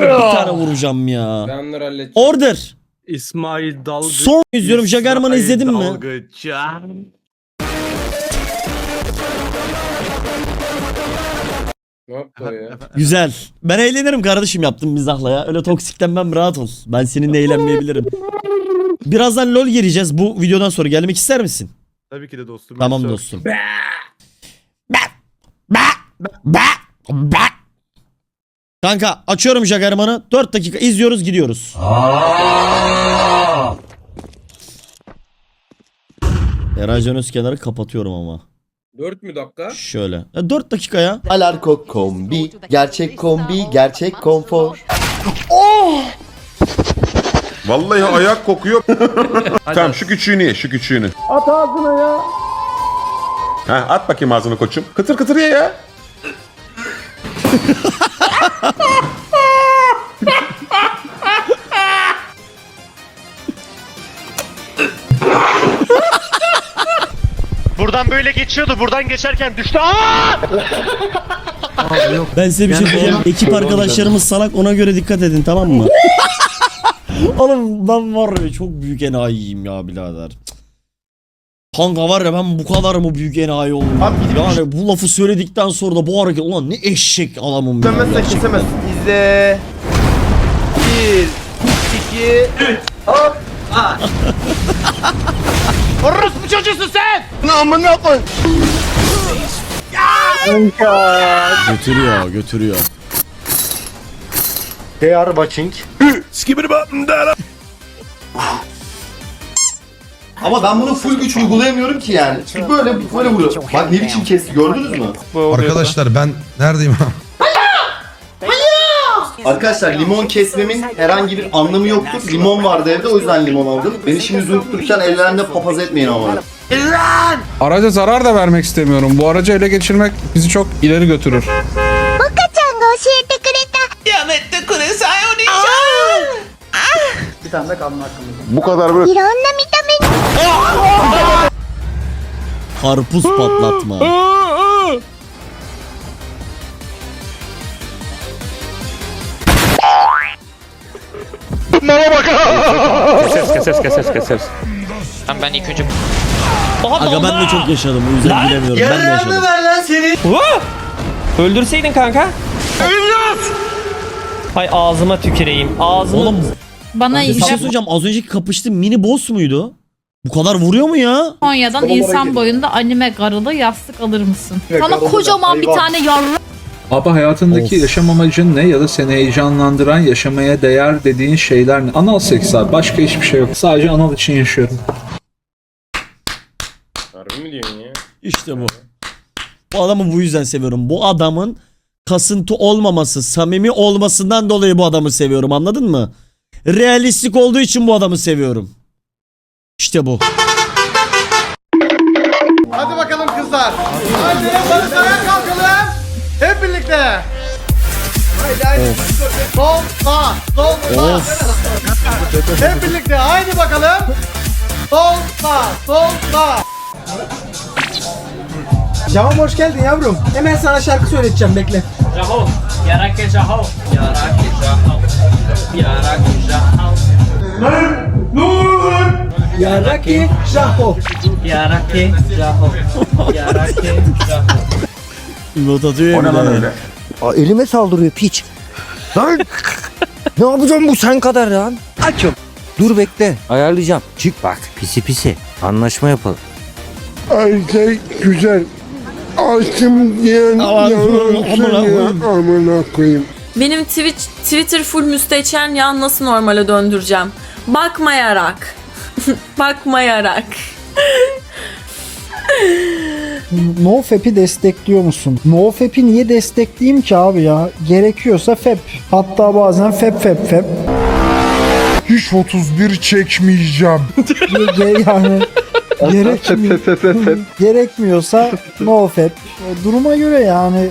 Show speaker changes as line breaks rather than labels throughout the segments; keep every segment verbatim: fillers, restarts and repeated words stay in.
bir tane vuracağım ya.
Ben onları halledeceğim.
Order.
İsmail Dalgıç.
Son izliyorum. Jagerman'ı izledin mi?
Dalgıç ya.
Ne yaptı o ya?
Güzel. Ben eğlenirim kardeşim yaptım mizahla ya. Öyle toksiklenmem, rahat ol. Ben seninle eğlenmeyebilirim. Birazdan LoL gireceğiz. Bu videodan sonra gelmek ister misin?
Tabii ki de dostum.
Tamam
Yoksa-
dostum. Kanka açıyorum Jagerman'ı. dört dakika izliyoruz, gidiyoruz. Eray Can Özkenar'ı kapatıyorum ama.
Dört mü dakika?
Şöyle. Ya dört dakika ya.
Alarko kombi, gerçek kombi, gerçek konfor.
Vallahi ayak kokuyor. Tamam şu küçüğünü ye, şu küçüğünü.
At ağzına ya.
Ha, at bakayım ağzını koçum. Kıtır kıtır ye ya.
Buradan böyle geçiyordu. Buradan geçerken düştü. Aa!
Ben size bir şey diyeceğim. Ekip arkadaşlarımız salak, ona göre dikkat edin, tamam mı? Oğlum ben var ya çok büyük enayiyim ya birader. Kanka var ya ben bu kadar mı büyük enayi oldum? Yani bu lafı söyledikten sonra da bu hareket, ulan ne eşek adamım ya.
Kesemezsen kesemezsin. İzle. Bir, iki, üç. Hop.
Orospu çocuğusun sen!
Götürüyor götürüyor.
They are watching.
Ama ben bunu full güç uygulayamıyorum ki yani. Çünkü böyle böyle vuruyor. Bak ne biçim kesti, gördünüz mü?
Arkadaşlar ben neredeyim?
Arkadaşlar limon kesmemin herhangi bir anlamı yoktur. Limon vardı evde, o yüzden limon aldım. Beni şimdi zündürken ellerinde papaz etmeyin ama.
Araca zarar da vermek istemiyorum. Bu aracı ele geçirmek bizi çok ileri götürür.
Bir tane de kalın hakkımız.
Bu kadar böyle.
Karpuz patlatma.
Keseriz keseriz keseriz keseriz. Tamam ben ilk önce...
Aga ben de çok yaşadım, o yüzden bilemiyorum. Ben de yaşadım.
Öldürseydin kanka. Hay ağzıma tüküreyim. Ağzıma...
Oğlum
Bana
bir şey söyleyeceğim, az önceki kapıştığım mini boss muydu? Bu kadar vuruyor mu ya?
Japonya'dan insan boyunda anime garılı yastık alır mısın? Sana kocaman bir tane yarra...
Abi hayatındaki
Of.
yaşam amacın ne ya da seni heyecanlandıran, yaşamaya değer dediğin şeyler ne? Anal seks abi. Başka hiçbir şey yok. Sadece anal için yaşıyorum.
Harbi mi diyorsun ya?
İşte bu. Bu adamı bu yüzden seviyorum. Bu adamın kasıntı olmaması, samimi olmasından dolayı bu adamı seviyorum, anladın mı? Realistik olduğu için bu adamı seviyorum. İşte bu.
Hadi bakalım kızlar. Haydi barış ayağa kalkalım. Hep birlikte. Haydi haydi. Sol sağ. Sol sağ. Hep birlikte haydi bakalım. Sol sağ. Sol sağ. Canım hoş geldin yavrum. Hemen sana şarkı söyleteceğim, bekle.
Jaho. Yarake Jaho. Yarake Jaho. Yarake Jaho.
Yaraki Jaho.
Yarake Jaho. Yarake Jaho.
Not atıyor ya bir de.
Aa, elime saldırıyor piç. Lan. Ne yapacağım bu sen kadar lan? Açım. Dur bekle. Ayarlayacağım. Çık bak. Pisi pisi. Anlaşma yapalım.
Ay şey güzel. Açım diyen
Aman, amına koyayım.
amına koyayım.
Benim Twitch, Twitter full müstehcen ya, nasıl normale döndüreceğim? Bakmayarak. Bakmayarak.
NoFap'i destekliyor musun? NoFap'i niye destekleyeyim ki abi ya? Gerekiyorsa Fap. Hatta bazen Fap Fap Fap.
Hiç otuz bir çekmeyeceğim.
Ge- yani gerekmi- gerekmiyorsa NoFap. Duruma göre yani.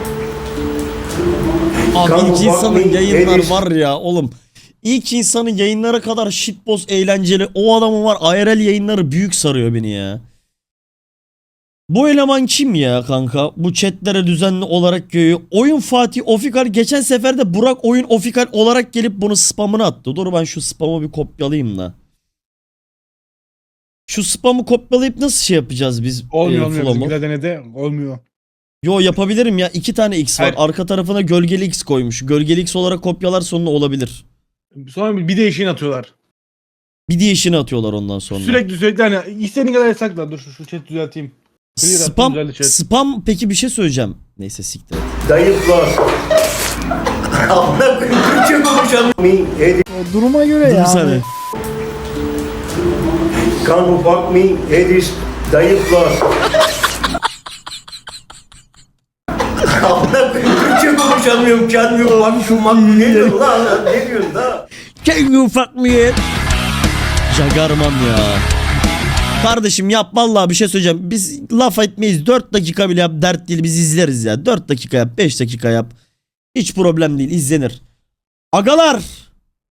Abi
Kanka,
ilk insanın
bakmayın,
yayınlar
Eriş.
var ya oğlum. İlk insanın yayınlara kadar shitpost eğlenceli. O adamın var I R L yayınları büyük sarıyor beni ya. Bu eleman kim ya kanka? Bu chatlere düzenli olarak geliyor. Oyun Fatih Ofikal geçen sefer de Burak Oyun Ofikal olarak gelip bunu spamını attı. Dur ben şu spamı bir kopyalayayım da. Şu spamı kopyalayıp nasıl şey yapacağız biz?
Olmuyor
e,
olmuyor.
flow'u?
Bizimkiler denedi. Olmuyor.
Yo yapabilirim ya. İki tane X var.
Hayır.
Arka tarafına gölgeli X koymuş. Gölgeli X olarak kopyalar sonunda olabilir.
Sonra bir değişini atıyorlar.
Bir değişini atıyorlar ondan sonra.
Sürekli sürekli hani istediğin kadar yasakla. Dur şu, şu chat düzelteyim. Clear attım,
Spam,
düzeldi chat.
spam peki bir şey söyleyeceğim. Neyse siktir et.
Dayıflar. Amına koyayım Türkçe konuşamıyorum.
Duruma göre
Dur bir saniye.
Can fuck me Edis dayıflar. Amına koyayım Türkçe konuşamıyorum. Can you fuck şu mak ne diyorsun lan? Ne diyorsun da?
Can you fuck me? Jagarman ya. Kardeşim yap vallahi bir şey söyleyeceğim. Biz laf etmeyiz. dört dakika bile yap dert değil biz izleriz ya. dört dakika yap beş dakika yap. Hiç problem değil izlenir. Agalar.